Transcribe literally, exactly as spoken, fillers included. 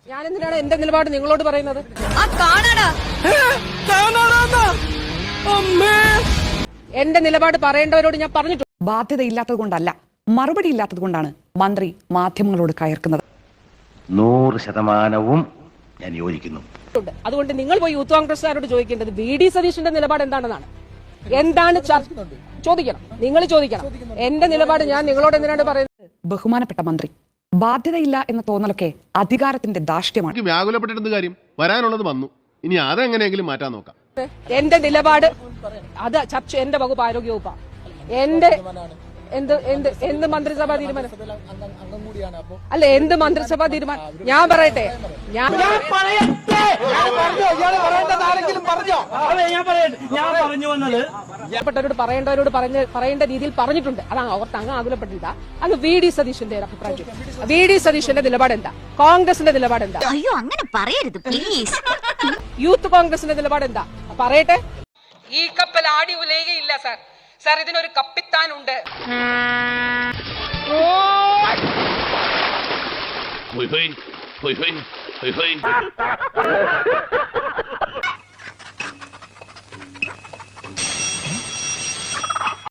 ഞാൻ എന്തിനാണ് എന്റെ നിലപാട് നിങ്ങളോട് പറയുന്നത്? എന്റെ നിലപാട് പറയേണ്ടവരോട് ഞാൻ പറഞ്ഞിട്ടുണ്ട്. ബാധ്യതയില്ലാത്തത് കൊണ്ടല്ല, മറുപടി ഇല്ലാത്തത് കൊണ്ടാണ് മന്ത്രി മാധ്യമങ്ങളോട് കയർക്കുന്നത്. നൂറ് ശതമാനവും ഞാൻ യോജിക്കുന്നു. അതുകൊണ്ട് നിങ്ങൾ പോയി യൂത്ത് കോൺഗ്രസ്സുകാരോട് ചോദിക്കേണ്ടത് വി ഡി സതീഷിന്റെ നിലപാട് എന്താണെന്നാണ്. എന്താണ് ചോദിക്കണം, നിങ്ങൾ ചോദിക്കണം. എന്റെ നിലപാട് ഞാൻ നിങ്ങളോട് എന്തിനാണ് പറയുന്നത്? ബഹുമാനപ്പെട്ട മന്ത്രി, ബാധ്യതയില്ല എന്ന തോന്നലൊക്കെ അധികാരത്തിന്റെ ധാർഷ്ട്യമാണ്. വ്യാകുലപ്പെട്ടിരുന്ന കാര്യം വരാനുള്ളത് വന്നു, ഇനി അതെങ്ങനെയെങ്കിലും മാറ്റാൻ നോക്കാം. എന്റെ നിലപാട് അത് ചർച്ച എന്റെ വകുപ്പ് ആരോഗ്യ വകുപ്പാണ്. എന്റെ എന്ത് എന്ത് എന്ത് മന്ത്രിസഭാ തീരുമാനം അല്ല, എന്ത് മന്ത്രിസഭാ തീരുമാനം ഞാൻ പറയട്ടെ. ഞാൻ പ്പെട്ടവരോട് പറയേണ്ടവരോട് പറഞ്ഞ പറയേണ്ട രീതിയിൽ പറഞ്ഞിട്ടുണ്ട്. അത് ഓർത്ത് അങ്ങ് ആകുലപ്പെട്ടില്ല. അത് വി ഡി സതീഷിന്റെ അഭിപ്രായം. വി ഡി സതീഷിന്റെ നിലപാട് എന്താ? കോൺഗ്രസിന്റെ നിലപാട് എന്താ? അയ്യോ അങ്ങനെ പറയരുത് പ്ലീസ്. യൂത്ത് കോൺഗ്രസിന്റെ നിലപാട് എന്താ പറയട്ടെ. ഈ കപ്പൽ ആടി ഉലയുകയില്ല സാർ. സാർ, ഇതിനൊരു കപ്പിത്താനുണ്ട്. Hui hui, hui hui, hui hui.